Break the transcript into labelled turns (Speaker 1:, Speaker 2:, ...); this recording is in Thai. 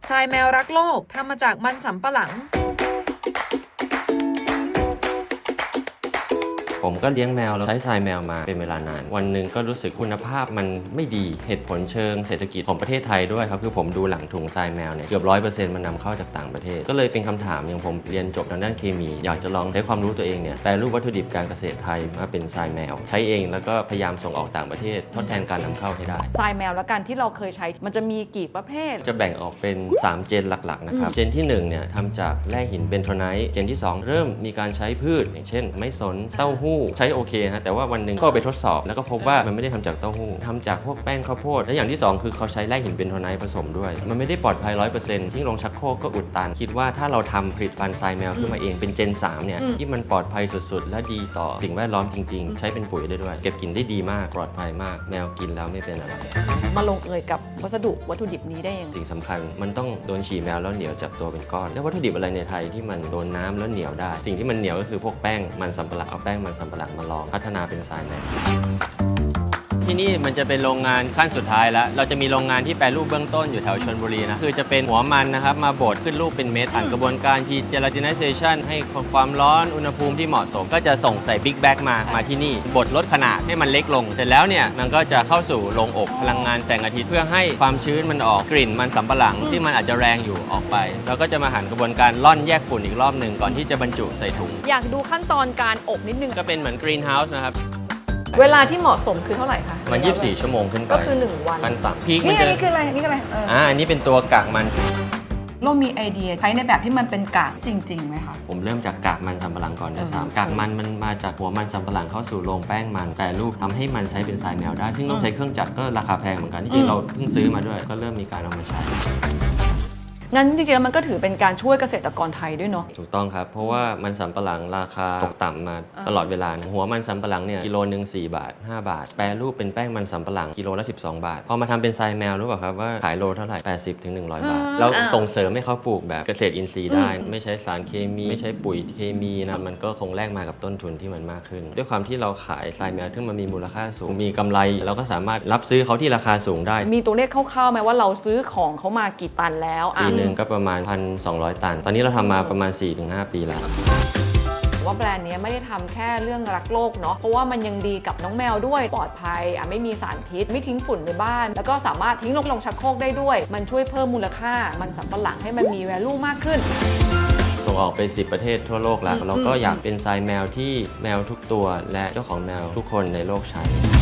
Speaker 1: ทรายแมวรักโลกทำมาจากมันสำปะหลัง
Speaker 2: ผมก็เลี้ยงแมวแล้วใช้ทรายแมวมาเป็นเวลานานวันหนึ่งก็รู้สึกคุณภาพมันไม่ดีเหตุผลเชิงเศรษฐกิจของประเทศไทยด้วยครับคือผมดูหลังถุงทรายแมวเนี่ยเกือบ100%มันนำเข้าจากต่างประเทศก็เลยเป็นคำถามอย่างผมเรียนจบทางด้านเคมีอยากจะลองใช้ความรู้ตัวเองเนี่ยแปรรูปวัตถุดิบการเกษตรไทยมาเป็นทรายแมวใช้เองแล้วก็พยายามส่งออกต่างประเทศทดแทนการนำเข้าให้ได้
Speaker 1: ทรายแมวแล้วกันที่เราเคยใช้มันจะมีกี่ประเภท
Speaker 2: จะแบ่งออกเป็น3เจนหลักๆนะครับเจนที่1เนี่ยทำจากแร่หินเบนโทไนท์เจนที่2เริ่มมีการใช้พืชอย่างเช่นไม้สนเต้าหู้ใช้โอเคแต่ว่าวันหนึ่งก็ไปทดสอบแล้วก็พบว่ามันไม่ได้ทำจากเต้าหู้ทำจากพวกแป้งข้าวโพดและอย่างที่2คือเขาใช้แร่หินเบนโทไนท์ผสมด้วยมันไม่ได้ปลอดภัย 100% ยิ่งลงชักโครกก็อุดตันคิดว่าถ้าเราทำผลิตภัณฑ์ทรายแมวขึ้นมาเองเป็นเจน3เนี่ยที่มันปลอดภัยสุดๆและดีต่อสิ่งแวดล้อมจริงๆใช้เป็นปุ๋ยได้ด้วยเก็บกินได้ดีมากปลอดภัยมากแมวกินแล้วไม่เป็นอะไร
Speaker 1: มาลงเอยกับวัตถุดิบนี้ได้ยัง
Speaker 2: สิ่งสำคัญมันต้องโดนฉี่แมวแล้วเหนียวจับตัวเป็นก้อนแล้ววัตถุดิบอะไรในไทยที่มันโดนน้ำแล้วเหนียวได้สิ่งที่มันเหนียวก็คือพวกแป้งมันสำปะหลังเอาแป้งมันสำปะหลังมาลองพัฒนาเป็นทรายแมวที่นี่มันจะเป็นโรงงานขั้นสุดท้ายแล้วเราจะมีโรงงานที่แปรรูปเบื้องต้นอยู่แถวชลบุรีนะคือจะเป็นหัวมันนะครับมาบดขึ้นรูปเป็นเม็ดผ่านกระบวนการ Gelatinization ให้ความร้อนอุณหภูมิที่เหมาะสมก็จะส่งใส่บิ๊กแบ็กมาที่นี่บดลดขนาดให้มันเล็กลงเสร็จแล้วเนี่ยมันก็จะเข้าสู่โรงอบพลังงานแสงอาทิตย์เพื่อให้ความชื้นมันออกกลิ่นมันสำปะหลังที่มันอาจจะแรงอยู่ออกไปแล้วก็จะมาหันกระบวนการล่อนแยกฝุ่นอีกรอบหนึ่งก่อนที่จะบรรจุใส่ถุง
Speaker 1: อยากดูขั้นตอนการอบนิดนึง
Speaker 2: ก็เป็นเหมือนกรีนเฮาส์นะครับ
Speaker 1: เวลาที่เหมาะสมคือเท่าไหร่คะ
Speaker 2: มัน24 ชั่วโมงขึ้นไป
Speaker 1: ก็คือ1วัน
Speaker 2: ขั้นต่ำพีค
Speaker 1: นี่คืออะไรนี่คืออะไร
Speaker 2: อันนี้เป็นตัวกากมัน
Speaker 1: เรามีไอเดียใช้ในแบบที่มันเป็นกากจริงๆไหมคะ
Speaker 2: ผมเริ่มจากกากมันสำปะหลังก่อนด้วยซ้ำกากมันมาจากหัวมันสำปะหลังเข้าสู่โรงแป้งมันแปรรูปทำให้มันใช้เป็นทรายแมวได้ซึ่งต้องใช้เครื่องจักรก็ราคาแพงเหมือนกันที่จริงเราเพิ่งซื้อมาด้วยก็เริ่มมีการเอามาใช้
Speaker 1: งั้นจริงๆแล้วมันก็ถือเป็นการช่วยเกษตรกรไทยด้วยเนาะ
Speaker 2: ถูกต้องครับเพราะว่ามันสำปะหลังราคาตกต่ำมาตลอดเวลาหัวมันสำปะหลังเนี่ยกิโลนึง4 บาท5 บาทแปรรูปเป็นแป้งมันสำปะหลังกิโลละ12 บาทพอมาทำเป็นทรายแมวรู้ป่ะครับว่าขายโลเท่าไหร่80 ถึง 100 บาทเราส่งเสริมให้เขาปลูกแบบเกษตรอินทรีย์ได้ไม่ใช้สารเคมีไม่ใช้ปุ๋ยเคมีนะมันก็คงแลกมากับต้นทุนที่มันมากขึ้นด้วยความที่เราขายทรายแมวที่มันมีมูลค่าสูงมีกำไรเราก็สามารถรับซื้อเขาที่ราคาสูงได้
Speaker 1: มีตัวเลขคร่าวๆไหมว่าเราซื้อของเขามากี่ตันแล้ว
Speaker 2: ปีนึงก็ประมาณ1,200 ตันตอนนี้เราทำมาประมาณ 4-5 ปีแล้ว
Speaker 1: ว่าแบรนด์นี้ไม่ได้ทำแค่เรื่องรักโลกเนาะเพราะว่ามันยังดีกับน้องแมวด้วยปลอดภัยไม่มีสารพิษไม่ทิ้งฝุ่นในบ้านแล้วก็สามารถทิ้งลงชักโครกได้ด้วยมันช่วยเพิ่มมูลค่ามันสำปะหลังให้มันมี value มากขึ้น
Speaker 2: ส่งออกไป10 ประเทศทั่วโลกแล้วเราก็อยากเป็นทรายแมวที่แมวทุกตัวและเจ้าของแมวทุกคนในโลกใช้